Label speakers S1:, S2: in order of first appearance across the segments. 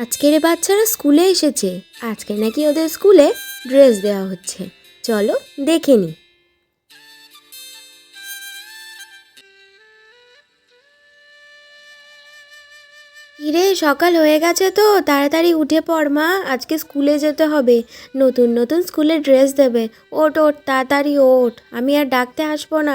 S1: আজকের বাচ্চারা স্কুলে এসেছে। আজকে নাকি ওদের স্কুলে ড্রেস দেওয়া হচ্ছে। চলো দেখে নি। কিরে, সকাল হয়ে গেছে তো, তাড়াতাড়ি উঠে পড় মা, আজকে স্কুলে যেতে হবে। নতুন নতুন স্কুলে ড্রেস দেবে। ওঠ ওঠ, তাড়াতাড়ি ওঠ, আমি আর ডাকতে আসবো না।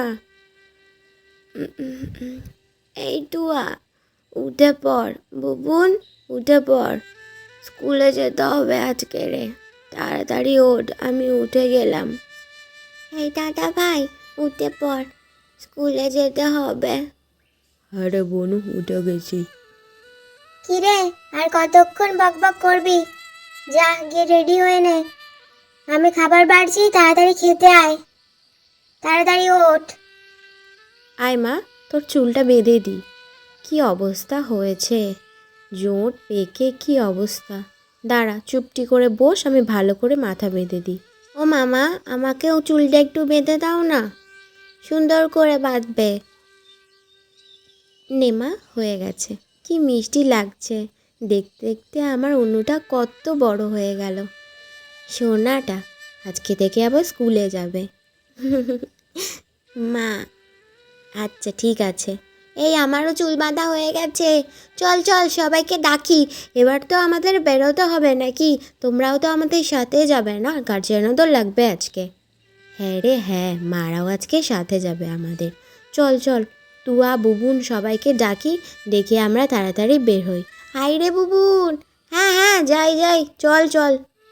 S1: এই টুয়া, উঠে পড়। বুবুন, উঠে পড়, স্কুলে যেতে হবে আজকে রে। তাড়াতাড়ি ওঠ, আমি উঠে গেলাম। এই দাদা ভাই, উঠে পড়, স্কুলে যেতে হবে। আরে বনু, উঠে গেছি।
S2: কিরে, আর কতক্ষণ বকবক করবি? যা গিয়ে রেডি হয়ে নে, আমি খাবার বাড়ছি, তাড়াতাড়ি খেতে আয়, তাড়াতাড়ি ওঠ।
S1: আয় মা, তোর চুলটা বেঁধে দি। কি অবস্থা হয়েছে, জোট পেকে কি অবস্থা। দাঁড়া, চুপটি করে বস, আমি ভালো করে মাথা বেঁধে দিই। ও মামা, আমাকেও চুলটা একটু বেঁধে দাও না, সুন্দর করে বাঁধবে। নেমা, হয়ে গেছে। কি মিষ্টি লাগছে, দেখতে দেখতে আমার অনুটা কত বড় হয়ে গেল। সোনাটা আজকে থেকে আবার স্কুলে যাবে। মা, আচ্ছা ঠিক আছে। এই আমারও চুল বাঁধা হয়ে গেছে। চল চল, সবাইকে ডাকি। এবার তো আমাদের বেরোতে হবে নাকি? তোমরাও তো আমাদের সাথে যাবে না? গার্জিয়ানও তো লাগবে আজকে। হ্যাঁ রে হ্যাঁ, মারাও আজকে সাথে যাবে আমাদের। চল চল, তুয়া বুবুন সবাইকে ডাকি, ডেকে আমরা তাড়াতাড়ি বের হই। হাই রে বুবুন। হ্যাঁ হ্যাঁ, যাই যাই, চল চল।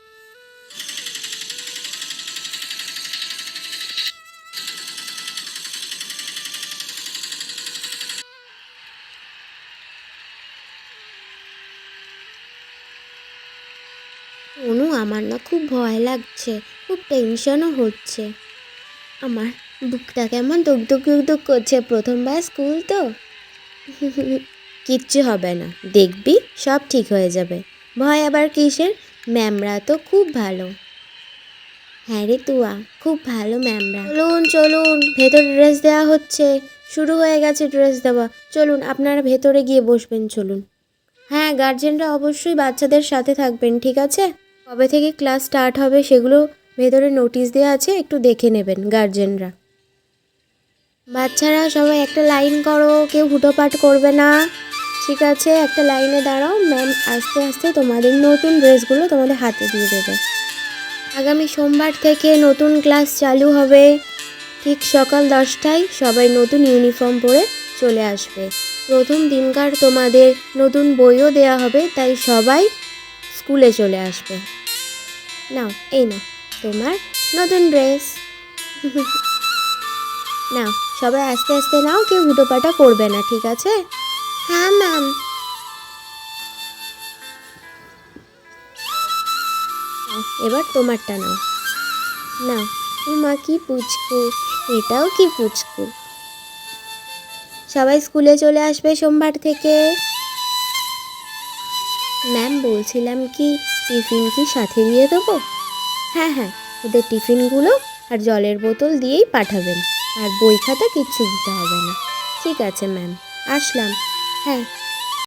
S1: অনু, আমার না খুব ভয় লাগছে, খুব টেনশনও হচ্ছে। আমার বুকটা কেমন দুক দুক দুক দুক করছে, প্রথমবার স্কুল তো। কিচ্ছু হবে না, দেখবি সব ঠিক হয়ে যাবে। ভয় আবার কিসের, ম্যামরা তো খুব ভালো। হ্যাঁ রে তুয়া, খুব ভালো ম্যামরা। চলুন চলুন, ভেতরে ড্রেস দেওয়া হচ্ছে, শুরু হয়ে গেছে ড্রেস দেওয়া। চলুন, আপনারা ভেতরে গিয়ে বসবেন, চলুন। হ্যাঁ, গার্জেনরা অবশ্যই বাচ্চাদের সাথে থাকবেন, ঠিক আছে? কবে থেকে ক্লাস স্টার্ট হবে সেগুলো ভেতরে নোটিশ দেওয়া আছে, একটু দেখে নেবেন গার্জেনরা। বাচ্চারা সবাই একটা লাইন করো, কেউ হুটোপাট করবে না, ঠিক আছে? একটা লাইনে দাঁড়াও, ম্যাম আস্তে আস্তে তোমাদের নতুন ড্রেসগুলো তোমাদের হাতে দিয়ে দেবে। আগামী সোমবার থেকে নতুন ক্লাস চালু হবে, ঠিক সকাল 10টায় সবাই নতুন ইউনিফর্ম পরে চলে আসবে। প্রথম দিনকার তোমাদের নতুন বইও দেয়া হবে, তাই সবাই স্কুলে চলে আসবে। নাও, এই নাও তোমার নতুন ড্রেস। নাও, সবাই আস্তে আস্তে নাও, কেউ হুটোপাটা করবে না, ঠিক আছে? হ্যাঁ ম্যাম। এবার তোমারটা নাও। নাও, মা কি পুচকু, এটাও কি পুচকু। সবাই স্কুলে চলে আসবে সোমবার থেকে। ম্যাম, বলছিলাম কি, টিফিন কি সাথে দিয়ে দেবো? হ্যাঁ হ্যাঁ, ওদের টিফিনগুলো আর জলের বোতল দিয়েই পাঠাবেন, আর বই খাতা কিচ্ছু দিতে হবে না। ঠিক আছে ম্যাম, আসলাম। হ্যাঁ।